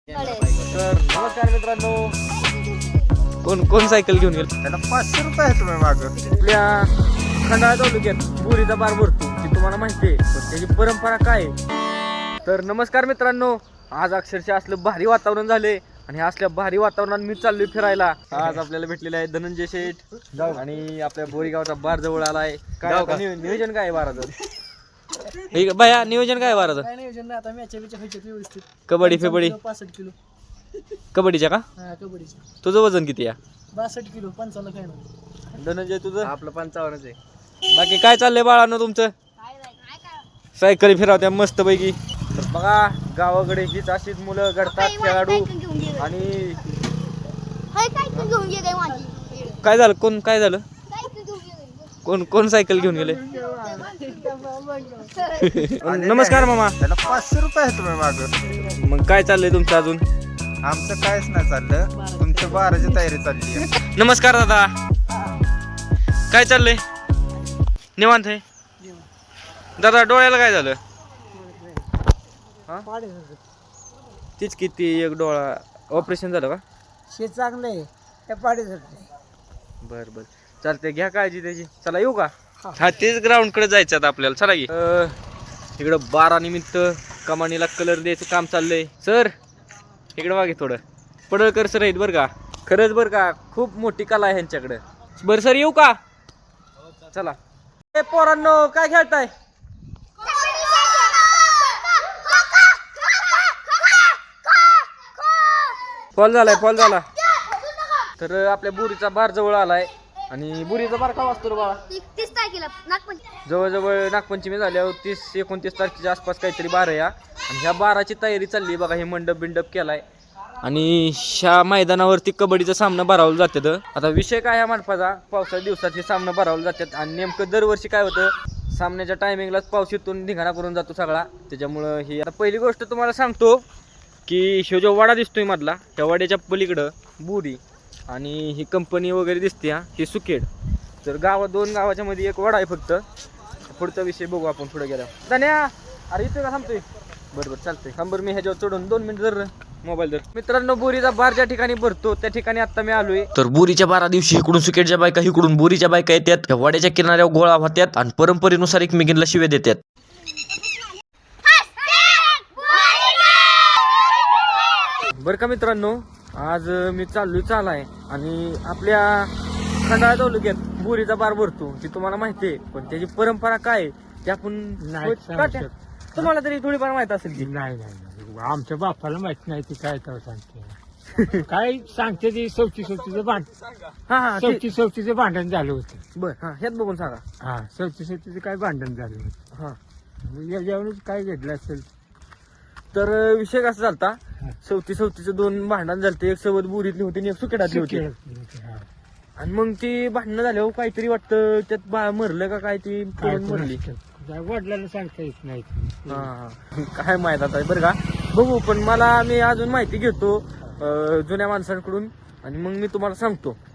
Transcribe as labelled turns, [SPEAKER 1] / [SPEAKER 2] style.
[SPEAKER 1] तर नमस्कार मित्रांनो, कोण सायकल घेऊन गेल?
[SPEAKER 2] त्याला 500 रुपये आहे तुम्ही माग.
[SPEAKER 1] आपल्या खंडाळा तालुक्यात बोरीचा बार भरतो ती तुम्हाला माहिती आहे, पण त्याची परंपरा काय आहे? तर नमस्कार मित्रांनो, आज अक्षरशः असलं भारी वातावरण झाले आणि असल्या भारी वातावरणात मी चाललोय फिरायला. आज आपल्याला भेटलेले आहे धनंजय शेठ आणि आपल्या बोरीगावचा बार जवळ आलाय. काय नियोजन काय आहे बाराचं? बाया नियोजन काय बाराचं?
[SPEAKER 3] काय नियोजन नाही, आता मॅच व्यवस्थित.
[SPEAKER 1] कबड्डी फेबडी
[SPEAKER 3] 65 किलो
[SPEAKER 1] कबड्डीच्या का?
[SPEAKER 3] हा कबड्डीची.
[SPEAKER 1] तुझं वजन किती आहे?
[SPEAKER 3] 62 किलो 55 काय नाही.
[SPEAKER 1] धनंजय तुझं?
[SPEAKER 2] आपलं 55 आहे.
[SPEAKER 1] बाकी काय चाललंय बाळांनो तुमचं? सायकली फिरवत्या मस्त पैकी. तर बघा गावाकडे हीच अशीच मुलं घडतात खेळाडू. आणि काय झालं? काय झालं? कोण सायकल घेऊन गेले? नमस्कार मामा.
[SPEAKER 2] त्याला 500 रुपये आहे तुम्ही माग.
[SPEAKER 1] मग काय चाललंय तुमचं अजून?
[SPEAKER 2] आमचं कायच नाही चाललं, तुमच्या बाराची तयारी चालली आहे.
[SPEAKER 1] नमस्कार दादा, काय चाललंय? निवांत आहे दादा. डोळ्याला काय झालं? तीच किती एक डोळा ऑपरेशन झालं का?
[SPEAKER 3] शेत चांगलं आहे त्या पाडीसाठी.
[SPEAKER 1] बर बर चालते, घ्या काळजी त्याची. चला येऊ का? हा तेच ग्राउंड कडे जायचं आता आपल्याला. चला की. इकडं बारा निमित्त कमानीला कलर द्यायचं काम चाललंय. सर इकडं वागे थोडं. पडळकर सर आहेत बरं का, खरंच बरं का, खूप मोठी कला आहे ह्यांच्याकडे. बरं सर येऊ का? चला. ए पोरांनो, काय खेळताय? फॉल झाला. तर आपल्या बुरीचा बार जवळ आलाय आणि बुरीचा बार का वाजतो रे बाळा?
[SPEAKER 4] 30 तारखेला नागपंचमी.
[SPEAKER 1] जवळजवळ नागपंचमी झाल्यावर 30-29 तारखेच्या आसपास काहीतरी बार आहे. आणि ह्या बाराची तयारी चालली बघा. हे मंडप बिंडप केलाय आणि ह्या मैदानावरती कबड्डीचा सामना भरावला जातात. आता विषय काय ह्या मंडपाचा, पावसाच्या दिवसात हे सामना भरावला जातात. आणि नेमकं दरवर्षी काय होतं, सामन्याच्या टायमिंगलाच पाऊस येतून धिंगाणा करून जातो सगळा. त्याच्यामुळं ही आता पहिली गोष्ट तुम्हाला सांगतो की ह्यो जो वाडा दिसतोय मधला, त्या वाड्याच्या पलीकडं बुरी आणि ही कंपनी वगैरे दिसते. ही सुकेड. तर दोन गावाच्या मध्ये एक वाडा आहे फक्त. पुढचा विषय बघू आपण पुढे गेला. धन्या अरे इथे का थांबतोय? बरोबर चालतंय. थांबर मी ह्याच्यावर चढून 2 मिनिट जर मोबाईल धर. मित्रांनो, बोरीचा बार ज्या ठिकाणी भरतो त्या ठिकाणी आता मी आलोय.
[SPEAKER 5] तर बोरीच्या बारा दिवशी इकडून सुकेटच्या बायका इकडून बोरीच्या बायका येतात. त्या वाड्याच्या किनाऱ्यावर गोळा होत्यात आणि परंपरेनुसार एकमेकींना शिव्या देतात.
[SPEAKER 1] बरं का मित्रांनो, आज मी चालाय आणि आपल्या खंडाळा तालुक्यात बोरीचा बार भरतो ती तुम्हाला माहिती आहे, पण त्याची परंपरा काय आहे ते आपण तुम्हाला तरी थोडीफार माहित असेल की
[SPEAKER 6] नाही आमच्या बापाला माहित नाही ती काय तर सांगते. काय सांगते ती सवतीचं भांडण झालं होतं.
[SPEAKER 1] बर हा ह्यात बघून सांगा.
[SPEAKER 6] हा सवतीचं काय भांडण झालं होतं.
[SPEAKER 1] हा
[SPEAKER 6] याच्यावरूनच काय घडलं असेल.
[SPEAKER 1] तर विषय कसा झालता, सवतीचं 2 भांडण झालते. एक सवत बोरीतली होती आणि एक सुकेडातली होती. आणि मग ती भांडणं झाल्यावर काहीतरी वाटतं त्यात मरलं का काय, ती पळून मरली.
[SPEAKER 6] वडिलांना सांगता येत नाही.
[SPEAKER 1] हा काय माहित आता बरं का, बघू. पण मी अजून माहिती घेतो जुन्या माणसांकडून आणि मग मी तुम्हाला सांगतो.